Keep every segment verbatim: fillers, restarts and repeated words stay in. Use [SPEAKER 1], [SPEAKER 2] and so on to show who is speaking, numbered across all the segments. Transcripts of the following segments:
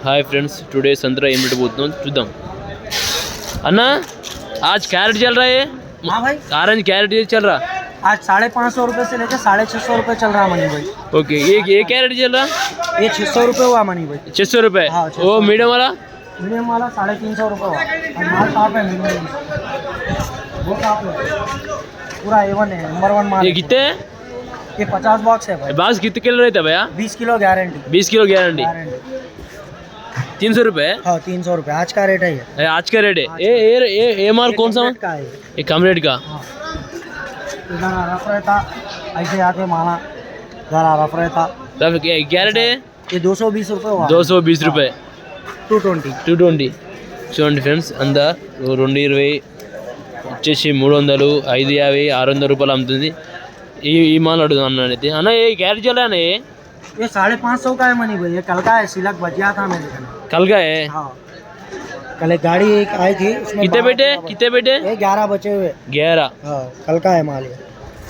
[SPEAKER 1] हाय friends, today संतरा एम rate बोलता हूँ चुदाम अन्ना। आज कैरेट चल रहा है।
[SPEAKER 2] हाँ भाई,
[SPEAKER 1] ऑरेंज कैरेट ये चल रहा
[SPEAKER 2] आज साढ़े पाँच सौ रुपये से लेकर साढ़े छः सौ रुपये चल रहा मनी भाई।
[SPEAKER 1] ओके, ये ये कैरेट चल रहा
[SPEAKER 2] ये छः सौ रुपये हुआ मनी भाई।
[SPEAKER 1] छः सौ रुपये।
[SPEAKER 2] हाँ,
[SPEAKER 1] वो मीडियम वाला
[SPEAKER 2] मीडियम वाला साढ़े तीन सौ रुपये हुआ। और माल साफ है, मीडियम वो साफ है, पूरा ए वन है, नंबर वन माल।
[SPEAKER 1] ये कितने हैं?
[SPEAKER 2] ये पचास बॉक्स है भाई।
[SPEAKER 1] बास कितने किलो रहता है भैया?
[SPEAKER 2] बीस किलो गारंटी।
[SPEAKER 1] बीस किलो गारंटी। तीन सौ रुपये।
[SPEAKER 2] हाँ, तीन सौ रुपये आज का रेट है ये।
[SPEAKER 1] आज का रेट है। ये ये ये ये माल कौन सा
[SPEAKER 2] का है?
[SPEAKER 1] ये कम रेट का।
[SPEAKER 2] इधर रफ रहता, ऐसे आते माला जरा रफ रहता।
[SPEAKER 1] तब क्या कैरेट है?
[SPEAKER 2] ये दो सौ बीस रुपये हुआ।
[SPEAKER 1] दो सौ बीस रुपये।
[SPEAKER 2] टू ट्वेंटी
[SPEAKER 1] టూ ట్వంటీ చూడండి ఫ్రెండ్స్, అందా రెండు ఇరవై వచ్చేసి మూడు వందలు ఐదు యాభై ఆరు వందల రూపాయలు అమ్ముతుంది ఈ ఈ మాల్ అడుగుదాం అన్న అయితే అన్న ఏ క్యారెట్ చల్లా అన్న ये
[SPEAKER 2] ये साढ़े पाँच सौ का है मनी भाई। ये कल का है, सिलक बचिया था मेरे घर।
[SPEAKER 1] कल का है।
[SPEAKER 2] हाँ, कल एक गाड़ी एक आई थी, उसमें
[SPEAKER 1] कितने बेटे कितने बेटे?
[SPEAKER 2] ये ग्यारह बचे हुए।
[SPEAKER 1] ग्यारह।
[SPEAKER 2] हाँ, कल का है माल ये।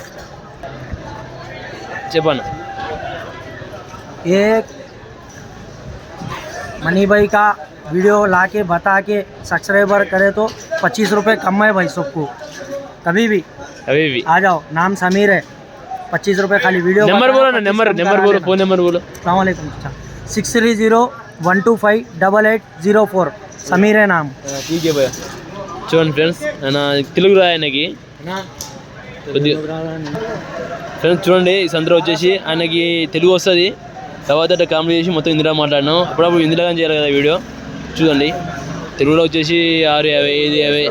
[SPEAKER 1] చెప్పన్న
[SPEAKER 2] ये मनी भाई का वीडियो ला के बता के सब्सक्राइबर करे तो पच्चीस रुपये कम है भाई सबको। कभी भी
[SPEAKER 1] अभी भी
[SPEAKER 2] आ जाओ, नाम समीर है। पच्चीस रुपये खाली वीडियो।
[SPEAKER 1] नंबर बोलो ना, नंबर नंबर बोलो, फोन नंबर बोलो।
[SPEAKER 2] सलामकुम। Six three zero one two five double eight zero four Sameer है नाम।
[SPEAKER 1] ठीक है भैया। చూడండి ఫ్రెండ్స్, ఆయన తెలుగు రా ఆయనకి ఫ్రెండ్స్. చూడండి ఈ సంతలో వచ్చేసి ఆయనకి తెలుగు వస్తుంది. తర్వాత కామెడీ చేసి మొత్తం ఇందులో మాట్లాడినాం. అప్పుడప్పుడు ఇందులో కానీ చేయాలి కదా వీడియో. చూడండి తెలుగులో వచ్చేసి ఆరు యాభై ఐదు యాభై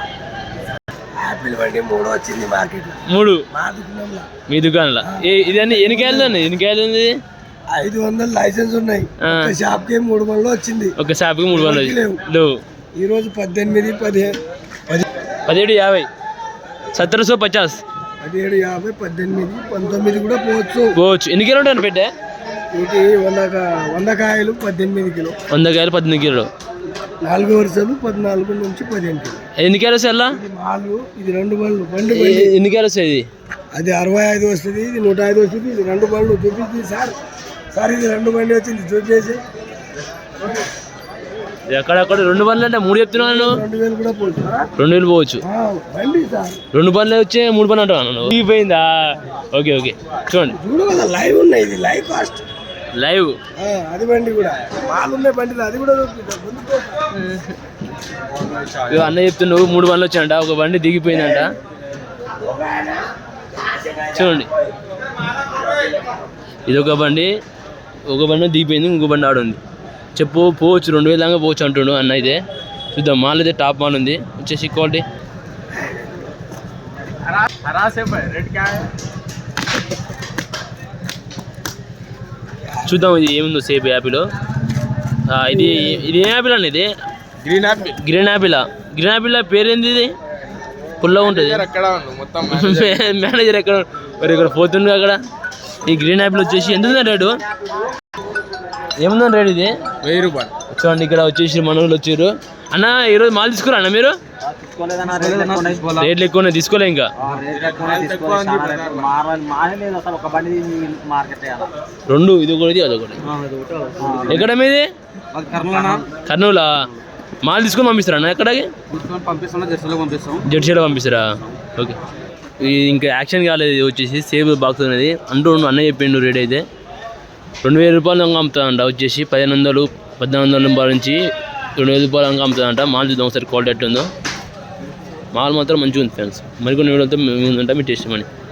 [SPEAKER 2] మూడు వచ్చింది మార్కెట్
[SPEAKER 1] మూడు మీ దుకాణంలో. ఇది అన్ని ఎన్ని కాయలు అండి? ఎన్ని కాయలు ఉంది?
[SPEAKER 2] ఐదు వందలు లైసెన్స్ ఉన్నాయి. షాప్ కి మూడు వందలు వచ్చింది.
[SPEAKER 1] ఒక షాప్ కి మూడు వందలు లేవు.
[SPEAKER 2] ఈ రోజు పద్దెనిమిది పదిహేను
[SPEAKER 1] పదిహేడు యాభై సత్తర సో పచాస్
[SPEAKER 2] పదిహేడు యాభై పద్దెనిమిది పంతొమ్మిది కూడా పోవచ్చు
[SPEAKER 1] పోవచ్చు. ఎన్ని కిలో ఉంటాను పెట్టే?
[SPEAKER 2] ఇది వంద వంద కాయలు పద్దెనిమిది కిలో.
[SPEAKER 1] వంద కాయలు పద్దెనిమిది కిలో.
[SPEAKER 2] నాలుగు వరుసలు పద్నాలుగు నుంచి పదిహేను కిలో.
[SPEAKER 1] ఎన్ని కాయలు వస్తాయి అలా?
[SPEAKER 2] నాలుగు. ఇది రెండు బళ్ళు బండి.
[SPEAKER 1] ఎన్ని కాయలు వస్తాయి? అది
[SPEAKER 2] అరవై ఐదు వస్తుంది, ఇది నూట ఐదు వస్తుంది. ఇది రెండు బళ్ళు చూపించింది సార్. సార్ ఇది రెండు బండి వచ్చింది చూపించేసి.
[SPEAKER 1] ఎక్కడెక్కడ రెండు బండ్లు అంటే మూడు చెప్తున్నాను.
[SPEAKER 2] రెండు వేలు కూడా పోవచ్చు.
[SPEAKER 1] రెండు వేలు పోవచ్చు.
[SPEAKER 2] బండి సార్
[SPEAKER 1] రెండు బండ్లు వచ్చే మూడు బండ్లు అంటున్నాను. పోయిందా? Okay okay. చూడండి
[SPEAKER 2] చూడు, లైవ్ ఉన్నాయి. ఇది లైవ్ కాస్ట్
[SPEAKER 1] లైవ్.
[SPEAKER 2] అది బండి కూడా మాలు ఉన్నాయి బండి. అది కూడా
[SPEAKER 1] అన్న చెప్తున్నావు మూడు బండ్లు వచ్చాయంట. ఒక బండి దిగిపోయిందంట. చూడండి ఇది ఒక బండి, ఒక బండి దిగిపోయింది, ఇంకో బండి ఆడుంది. చెప్పు పోవచ్చు, రెండు వేల దాకా పోవచ్చు అంటుండు అన్న. అయితే చూద్దాం. మాల్ అయితే టాప్ మాల్ ఉంది. వచ్చేసి క్వాలిటీ చూద్దాం ఇది ఏముందో సేపు యాపిల్. ఇది ఇది ఏం యాపిల్ అండి? ఇది
[SPEAKER 2] green apple.
[SPEAKER 1] Green apple. Green apple పేరేంది? ఇది పుల్లగా ఉంటుంది. మేనేజర్ ఎక్కడ మరి? ఇక్కడ పోతుంది అక్కడ. ఈ గ్రీన్ యాపిల్ వచ్చేసి ఎంత ఉంది రేటు? ఏముందని రేటు? ఇది
[SPEAKER 2] వెయ్యి రూపాయలు.
[SPEAKER 1] చూడండి ఇక్కడ వచ్చేసి మనోళ్ళు వచ్చారు. అన్న ఈరోజు మాల్ తీసుకురా అన్న మీరు? రేట్లు ఎక్కువ తీసుకోలే ఇంకా. రెండు ఇది ఒకటి అదొకటి. ఎక్కడ మీది? కర్నూలా. మాల్ తీసుకొని పంపిస్తారా అన్న? ఎక్కడికి? జడ్సీలో పంపిస్తారా? ఓకే. ఇది ఇంకా యాక్షన్ కాలేదు. ఇది వచ్చేసి సేవ్ బాక్స్ అనేది అంటూ అన్న చెప్పిండు. రేట్ అయితే రెండు వేల రూపాయలు అమ్ముతుందంట. వచ్చేసి పదిహేను వందలు పద్నాలుగు వందల రూపాయల నుంచి రెండు వేల రూపాయలు అంక అమ్ముతుందంట. మాల్ చూద్దాం ఒకసారి క్వాలిటీ ఎట్లుందో. మాల్ మాత్రం మంచిగా ఉంది ఫ్రెండ్స్. మరికొన్ని వీడియోతో మేము ఉందంటే మీ టేస్ట్ మనీ.